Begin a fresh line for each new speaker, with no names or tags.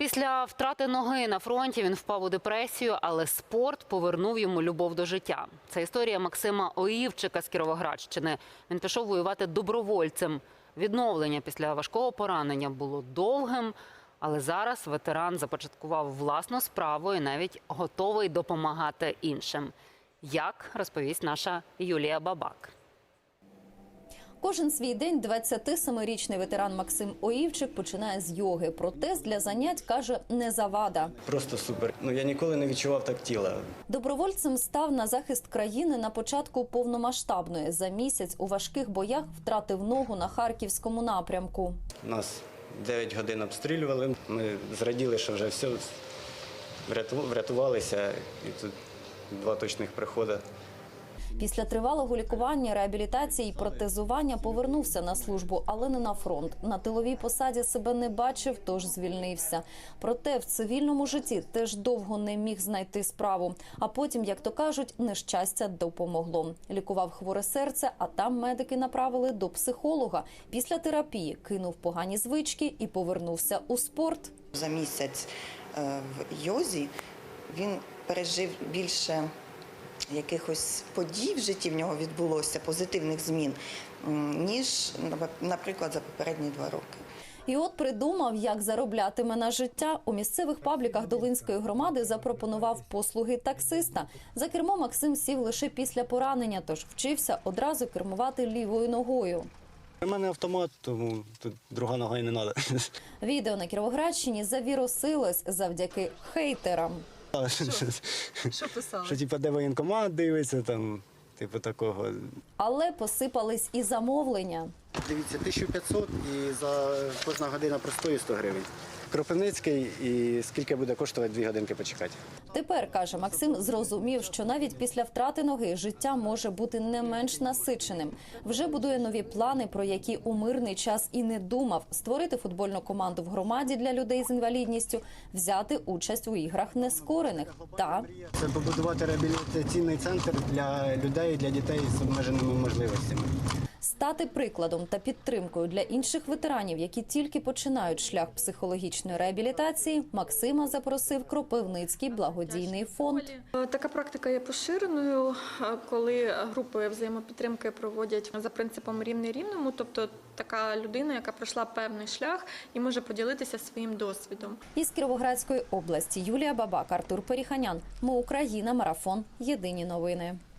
Після втрати ноги на фронті він впав у депресію, але спорт повернув йому любов до життя. Це історія Максима Оївчика з Кіровоградщини. Він пішов воювати добровольцем. Відновлення після важкого поранення було довгим, але зараз ветеран започаткував власну справу і навіть готовий допомагати іншим. Як, розповість наша Юлія Бабак.
Кожен свій день 27-річний ветеран Максим Оївчик починає з йоги. Протез для занять, каже, не завада.
Просто супер. Я ніколи не відчував так тіла.
Добровольцем став на захист країни на початку повномасштабної. За місяць у важких боях втратив ногу на Харківському напрямку.
Нас 9 годин обстрілювали. Ми зраділи, що вже все, врятувалися. І тут 2 точних приходи.
Після тривалого лікування, реабілітації і протезування повернувся на службу, але не на фронт. На тиловій посаді себе не бачив, тож звільнився. Проте в цивільному житті теж довго не міг знайти справу. А потім, як то кажуть, нещастя допомогло. Лікував хворе серце, а там медики направили до психолога. Після терапії кинув погані звички і повернувся у спорт.
За місяць в йозі він пережив більше якихось подій в житті в нього відбулося, позитивних змін, ніж, наприклад, за попередні 2 роки.
І от придумав, як зароблятиме на життя. У місцевих пабліках Долинської громади запропонував послуги таксиста. За кермо Максим сів лише після поранення, тож вчився одразу кермувати лівою ногою.
У мене автомат, тому тут друга нога і не треба.
Відео на Кіровоградщині завірусилось завдяки хейтерам.
Що писали?
Що, де воєнкомат дивиться, там, такого.
Але посипались і замовлення.
Дивіться, 1500 і за кожна година простою 100 гривень. Кропивницький і скільки буде коштувати 2 годинки почекати.
Тепер, каже Максим, зрозумів, що навіть після втрати ноги життя може бути не менш насиченим. Вже будує нові плани, про які у мирний час і не думав. Створити футбольну команду в громаді для людей з інвалідністю, взяти участь у іграх нескорених. Та
це побудувати реабілітаційний центр для людей, для дітей з обмеженими можливостями.
Стати прикладом та підтримкою для інших ветеранів, які тільки починають шлях психологічної реабілітації, Максима запросив Кропивницький благодійний фонд.
Така практика є поширеною, коли групи взаємопідтримки проводять за принципом рівний рівному, тобто така людина, яка пройшла певний шлях і може поділитися своїм досвідом.
Із Кіровоградської області Юлія Бабак, Артур Періханян. Ми Україна. Марафон. Єдині новини.